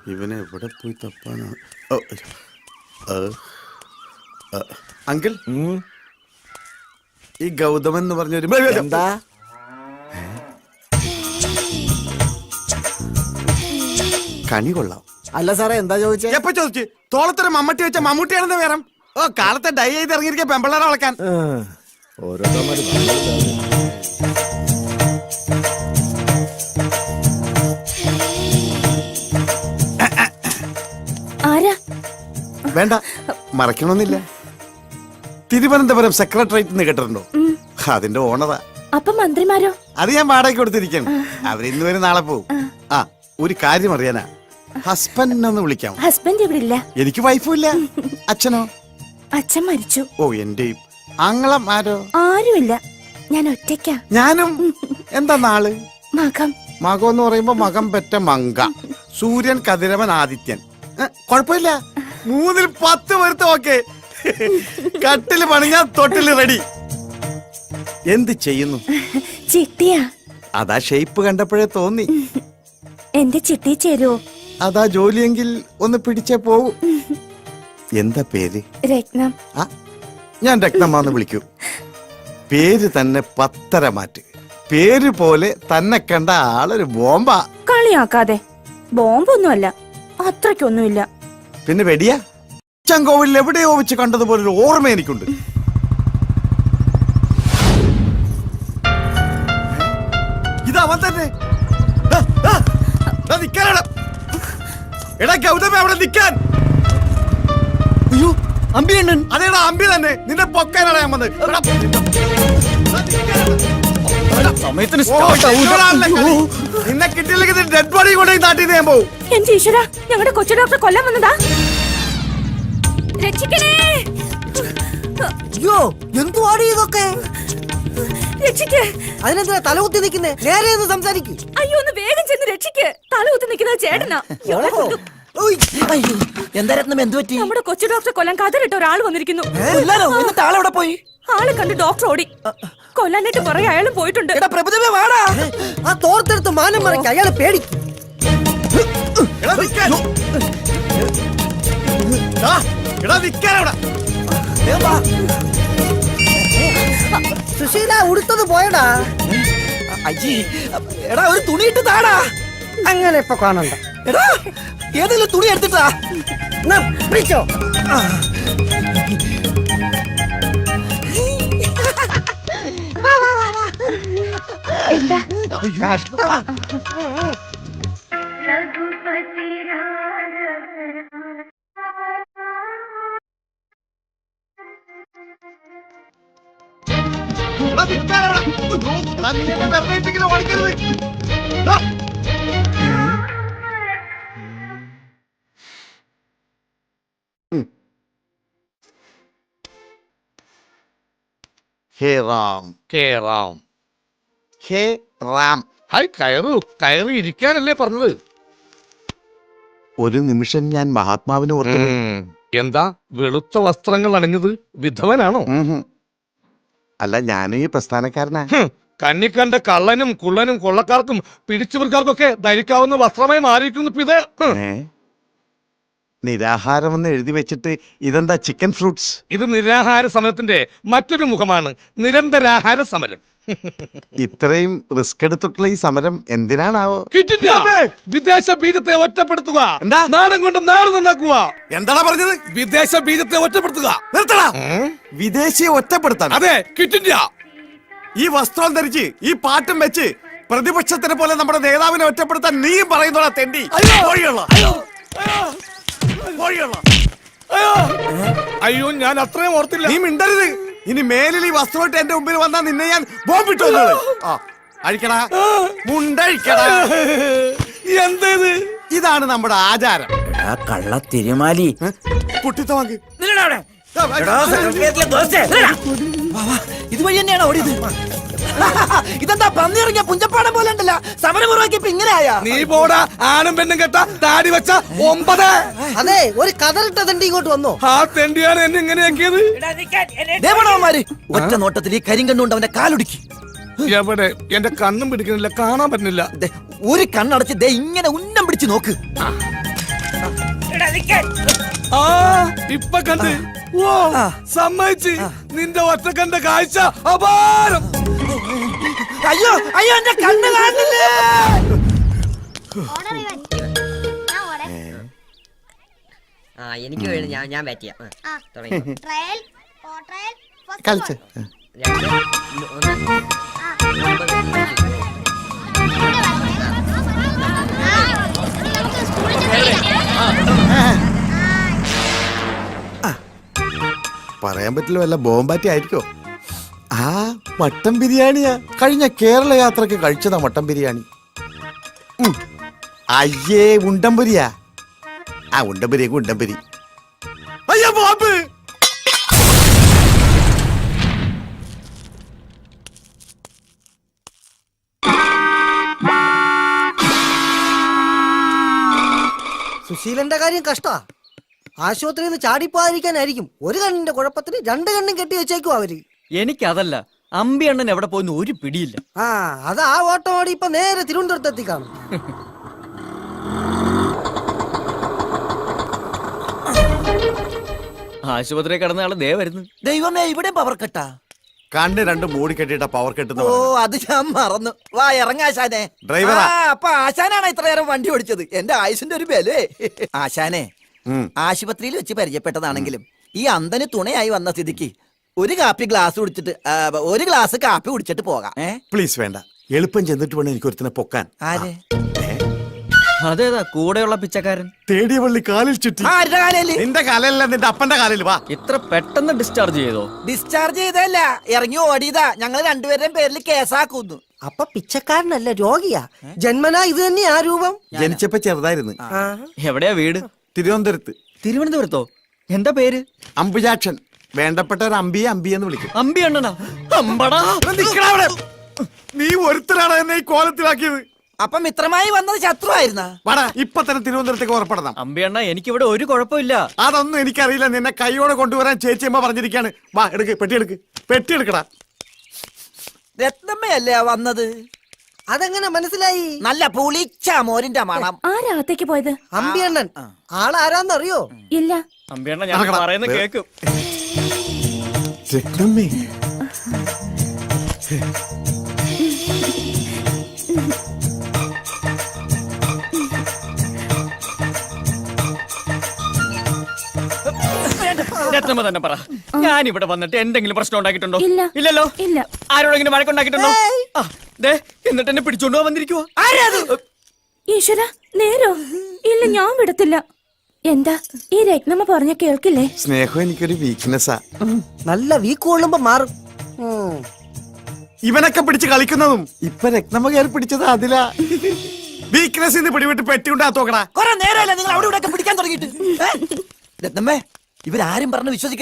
ഇവനെ എവിടെ പോയി തപ്പാനാ? അങ്കിൾ, ഈ ഗൗതമൻ എന്ന് പറഞ്ഞൊരു എന്താ കണി കൊള്ളാം. അല്ല സാറേ, എന്താ ചോദിച്ചേ? എപ്പോ ചോദിച്ചു? തോളത്തൊരു മമ്മട്ടി വെച്ച മമ്മൂട്ടിയാണെന്ന് വേറെ. ഓ, കാലത്തെ ഡൈ ചെയ്ത് ഇറങ്ങിയിരിക്കുക പെമ്പിള്ളേരെ വളക്കാൻ. വേണ്ട, മറക്കണമെന്നില്ല. തിരുവനന്തപുരം സെക്രട്ടേറിയറ്റ് എന്ന് കേട്ടിട്ടുണ്ടോ? അതിന്റെ ഓണറാ. അപ്പൊ മന്ത്രിമാരോ? അത് ഞാൻ വാടകയ്ക്ക് കൊടുത്തിരിക്കണം. അവരിന്ന് വരെ നാളെ പോകും. ആ, ഒരു കാര്യം അറിയാനാ. ഹസ്ബൻഡ് ഒന്ന് വിളിക്കാം. ഹസ്ബൻഡ് ഇവിടെ ഇല്ല. എനിക്ക് വൈഫും ഇല്ല. അച്ഛനോ? അച്ഛൻ മരിച്ചു. ഓ, എന്റെയും. ആങ്ങളം ആരോ? ആരുമില്ല, ഞാൻ ഒറ്റയ്ക്കാ. ഞാനും. എന്താ നാള്? മകം. മകം എന്ന് പറയുമ്പോ മകം പെറ്റ മങ്ക. സൂര്യൻ, കതിരവൻ, ആദിത്യൻ. കൊഴപ്പില്ല. 3-ൽ 10 വരുത്തം. ഓക്കെ. കട്ടില് പണിഞ്ഞാ തൊട്ടില് റെഡി. എന്ത് ചെയ്യുന്നു? ചിട്ടിയാ. അതാ ഷേപ്പ് കണ്ടപ്പോഴേ തോന്നി. എന്റെ ചിട്ടി ചേരുവോ? അതാ ജോലിയെങ്കിൽ ഒന്ന് പിടിച്ചേ പോവൂ. എന്താ പേര്? രത്നം. ഞാൻ രത്നമാന്ന് വിളിക്കൂ. പേര് തന്നെ 10 മാറ്റ്. പേര് പോലെ തന്നെ കണ്ട ആളൊരു ബോംബാ. കളിയാക്കാതെ. ബോംബൊന്നുമല്ല, അത്രയ്ക്കൊന്നുമില്ല. പിന്നെ വെടിയാ? ചങ്കോവിൽ എവിടെയോ വെച്ച് കണ്ടതുപോലെ ഒരു ഓർമ്മ എനിക്കുണ്ട്. ഇതവൻ തന്നെ. എടാ ഗൗതമേ, അവിടെ നിൽക്കാൻ. അയ്യോ, അമ്പി അണ്ണൻ. അതേടാ, അമ്പി തന്നെ. നിന്നെ പൊക്കാനാണ് ഞാൻ വന്നത്. നിന്നെ കിട്ടിയില്ലെങ്കിൽ ഡെഡ് ബോഡി കൊണ്ടുപോയി നാട്ടിൽ ഞാൻ പോവും. എന്റെ ഈശ്വര, ഞങ്ങളുടെ കൊച്ചു ഡോക്ടർ കൊല്ലാൻ വന്നതാ. രക്ഷിക്കണേ. അയ്യോ, എന്തുവാണ് ഇതൊക്കെ? രക്ഷിക്ക്. അതിനെന്തിനാ തലകുത്തി നിൽക്കുന്നേ? നേരെ ഒന്ന് സംസാരിക്കും. അയ്യോ, ഒന്ന് വേഗം ചെന്ന് രക്ഷിക്ക്. തലകുത്തി നിൽക്കുന്നത് ചേട്ടനാ. എന്താ രത്നം, എന്ത് പറ്റി? നമ്മുടെ കൊച്ചു ഡോക്ടറെ കൊല്ലാൻ കതറിട്ട ഒരാൾ വന്നിരിക്കുന്നു. ആളെവിടെ പോയി? ആളെ കണ്ട് ഡോക്ടർ ഓടി. കൊല്ലാനായിട്ട് പുറകെ അയാളും പോയിട്ടുണ്ട്. ആ തോർത്തെടുത്ത് മാനം മറയ്ക്ക്, അയാളെ പേടിക്കും. സുശീല, ഉടുത്തത് പോയടാ. എടാ, ഒരു തുണി ഇട്ട് താടാ. അങ്ങനെ ഇപ്പൊ കാണണ്ട. എടാ, ഏതെങ്കിലും തുണി എടുത്തിട്ടാ. പിടിച്ചോ. എന്താ? ഹേ റാം, ഹേ റാം, ഹേ റാം. ഹായ്, കയറി ഇരിക്കാനല്ലേ പറഞ്ഞത്? ഒരു നിമിഷം ഞാൻ മഹാത്മാവിനെ ഓർത്തു. എന്താ വെളുത്ത വസ്ത്രങ്ങൾ അണിഞ്ഞത്? വിധവനാണോ? അല്ല, ഞാനും ഈ പ്രസ്ഥാനക്കാരനാ. കണ്ണിക്കണ്ട കള്ളനും കുള്ളനും കൊള്ളക്കാർക്കും പിടിച്ചുപറിക്കാർക്കൊക്കെ ധരിക്കാവുന്ന വസ്ത്രമായി മാറിയിരിക്കുന്നു ഇത്. നിരാഹാരമെന്ന് എഴുതി വെച്ചിട്ട് ഇതെന്താ ചിക്കൻ ഫ്രൂട്ട്സ്? ഇത് നിരാഹാര സമരത്തിന്റെ മറ്റൊരു മുഖമാണ്. നിരന്തരാഹാര സമരം. ഇത്രയും റിസ്ക് എടുത്തിട്ടുള്ള ഈ സമരം എന്തിനാണാവോ? വിദേശ ബീജത്തെ ഒറ്റപ്പെടുത്തുക. എന്താ? നാടൻ കൊണ്ട് നാട് നന്നാക്കുക. എന്താടാ പറഞ്ഞത്? വിദേശ ബീജത്തെ ഒറ്റപ്പെടുത്തുക. നിർത്തടാ. വിദേശിയെ ഒറ്റപ്പെടുത്താൻ? അതെ, ക്വിറ്റ് ഇന്ത്യ. ഈ വസ്ത്രം ധരിച്ച് ഈ പാട്ടും വെച്ച് പ്രതിപക്ഷത്തിനെ പോലെ നമ്മുടെ നേതാവിനെ ഒറ്റപ്പെടുത്താൻ നീയും പറയുന്നോടാ തെണ്ടി. അയ്യോ, ഞാൻ അത്രയും ഓർത്തില്ല. നീ മിണ്ടരുത്. ഇനി മേലിൽ ഈ വസ്ത്രമായിട്ട് എന്റെ മുമ്പിൽ വന്നാൽ നിന്നെ ഞാൻ ബോംബിട്ടു. അഴിക്കടാ, മുണ്ടഴിക്കടാ. എന്തേത്? ഇതാണ് നമ്മുടെ ആചാരം. കള്ള തിരുമാലി. പുട്ടിത്തവാങ്ക്. ഇതുവഴി തന്നെയാണ് ഓടിയത്. ഇതെന്താ പന്നിയിറങ്ങിയ പുഞ്ചപ്പാടം പോലെ ഉണ്ടല്ലോ. സമരമുറവാക്കിയപ്പോ ഇങ്ങനെയായ. നീ പോടാ, ആണും പെണ്ണും കെട്ട താടി വെച്ച 9. അതെ, ഒരു കതറിട്ട തെണ്ടി ഇങ്ങോട്ട് വന്നോ. ആ തെണ്ടിയാണ് എന്നെ ഇങ്ങനെയാക്കിയത്. ദേവണവന്മാര് ഒറ്റ നോട്ടത്തിൽ ഈ കരിങ്കണ്ണുകൊണ്ട് അവന്റെ കാലൊടുക്കി. എവിടെ? എന്റെ കണ്ണും പിടിക്കുന്നില്ല, കാണാൻ പറ്റുന്നില്ല. ഒരു കണ്ണടച്ച് ദേ ഇങ്ങനെ ഉന്നം പിടിച്ച് നോക്ക്. ആ ഇപ്പൊ കണ്ട് ഓ സമ്മതിച്ച് നിന്റെ ഒറ്റക്കണ്ട കാഴ്ച അപാരം. അയ്യോ അയ്യോ എന്റെ കണ്ണ് കാണില്ലേ. ആ എനിക്ക് വേണം ഞാൻ ബാറ്റ് ചെയ്യാം തുടങ്ങി കളിച്ച് രണ്ട് ഒന്ന് പറയാൻ പറ്റില്ല, വല്ല ബോംബാറ്റി ആയിരിക്കോ? ആ മട്ടൻ ബിരിയാണിയാ. കഴിഞ്ഞ കേരള യാത്രക്ക് കഴിച്ചതാ മട്ടൻ ബിരിയാണി. അയ്യേ ഉണ്ടംപുരിയാ. ആ ഉണ്ടംപുരിയൊക്കെ ഉണ്ടംപുരി. അയ്യോ ബോംബ്. സുശീലന്റെ കാര്യം കഷ്ടാ. ആശുപത്രിയിൽ നിന്ന് ചാടിപ്പോകാതിരിക്കാനായിരിക്കും ഒരു കണ്ണിന്റെ കുഴപ്പത്തിന് രണ്ട് കണ്ണും കെട്ടി വെച്ചേക്കും അവര്. എനിക്കതല്ല, അമ്പി അണ്ണൻ എവിടെ പോയിന്ന് ഒരു പിടിയില്ല. ആ അത് ആ ഓട്ടം ഓടി ഇപ്പൊ നേരെ തിരുവനന്തപുരത്തെത്തി കാണും. ആശുപത്രി കിടന്ന ആള് ദേ വരുന്നു. ദൈവമേ ഇവിടെ പവർ കട്ടാ. കണ്ണ് രണ്ട് മൂടി കെട്ടിട്ട പവർ കെട്ടുന്ന ഓ അത് ഞാൻ മറന്നു. വാ ഇറങ്ങാശാനെ. ഡ്രൈവറാ. അപ്പൊ ആശാനാണ് ഇത്ര നേരം വണ്ടി ഓടിച്ചത്. എന്റെ ആയുസിന്റെ ഒരു ബലേ. ആശാനെ ആശുപത്രിയിൽ വെച്ച് പരിചയപ്പെട്ടതാണെങ്കിലും ഈ അന്തന് തുണയായി വന്ന സ്ഥിതിക്ക് ഒരു ഗ്ലാസ് കുടിച്ചിട്ട് ഒരു ഗ്ലാസ് കാപ്പി കുടിച്ചിട്ട് പോകാം. പ്ലീസ് വേണ്ട, എളുപ്പം ചെന്നിട്ട് വേണം എനിക്ക് ഒരുത്തിനെ പൊക്കാൻ. ആരെ? അതേതാ കൂടെയുള്ള പിച്ചക്കാരൻ? തേടിയ പള്ളി കാലിൽ ചുറ്റി. ആരുടെ കാലല്ലേ? നിന്റെ കാലല്ല, നിന്റെ അപ്പന്റെ കാലിൽ. വാ. ഇത്ര പെട്ടെന്ന് ഡിസ്ചാർജ് ചെയ്തോ? ഡിസ്ചാർജ് ചെയ്തല്ല, ഇറങ്ങി ഓടിയതാ. ഞങ്ങൾ രണ്ടുപേരുടെയും പേരിൽ കേസാക്കുന്നു. അപ്പൊ പിച്ചക്കാരനല്ല, രോഗിയാ. ജന്മനാ ഇത് തന്നെയാ ആ രൂപം. ജനിച്ചപ്പോ ചെറുതായിരുന്നു. എവിടെയാ വീട്? തിരുവനന്തപുരത്ത്. തിരുവനന്തപുരത്തോ? എന്താ പേര്? അമ്പുജാക്ഷൻ. വേണ്ടപ്പെട്ട ഒരു അമ്പിയെ അമ്പിയെന്ന് വിളിക്കും. അമ്പി അണ്ണനാ? അമ്പടാ. നിക്കടാ അവിടെ. നീ ഒരുത്തരാണ് എന്നെ ഈ കോലത്തിലാക്കിയത്. അപ്പൊ മിത്രമായി വന്നത് ശത്രു ആയിരുന്നാ? വാടാ, ഇപ്പൊ തന്നെ തിരുവനന്തപുരത്തേക്ക് ഉറപ്പെടണം. അമ്പി അണ്ണ, എനിക്കിവിടെ ഒരു കുഴപ്പമില്ല. അതൊന്നും എനിക്കറിയില്ല. നിന്നെ കൈയോടെ കൊണ്ടുവരാൻ ചേച്ചിയമ്മ പറഞ്ഞിരിക്കാണ്. വാ എടുക്ക്, പെട്ടി എടുക്കടാ. രത്നമ്മയല്ലേ വന്നത്? അതെങ്ങനെ മനസ്സിലായി? നല്ല പുളിച്ച മോരിന്റെ മണം. ആരാകത്തേക്ക് പോയത്? അമ്പിയണ്ണൻ ആളാരാന്നറിയോ? ഇല്ല. അമ്പി അണ്ണ, ഞാൻ പറയുന്ന കേക്കും. രത്നമ്മേ. രത്നമ്മ തന്നെ പറ, ഞാൻ ഇവിടെ വന്നിട്ട് എന്തെങ്കിലും പ്രശ്നം ഉണ്ടാക്കിയിട്ടുണ്ടോ? ഇല്ല. ഇല്ലല്ലോ. ഇല്ല. ആരോടെങ്കിലും വഴക്കുണ്ടാക്കിയിട്ടുണ്ടോ? എന്നിട്ട് എന്നെ പിടിച്ചോണ്ട് പോവാൻ വന്നിരിക്കുവോ? ഈശ്വര, നേരോ? ഇല്ല, ഞാൻ വിടത്തില്ല. എന്താ ഈ രത്നമ്മ പറഞ്ഞ കേൾക്കില്ലേ? സ്നേഹം എനിക്കൊരു വീക്ക്നെസ്സാ. നല്ല വീക്ക് കൊള്ളുമ്പോ മാറും. ഇവനൊക്കെ പിടിച്ച് കളിക്കുന്നതും ഇപ്പൊ രത്നമ്മ കയറി പിടിച്ചത് അതിലാ. വീക്ക്നെസ് പിടിവിട്ട് പെട്ടിയുണ്ടാത്തോക്കടാ. കുറെ നേരമല്ല നിങ്ങൾ അവിടെ ഇവിടെ പിടിക്കാൻ തുടങ്ങിയിട്ട്. രത്നമ്മേ, ഇവരാരും പറഞ്ഞ് വിശ്വസിക്കാൻ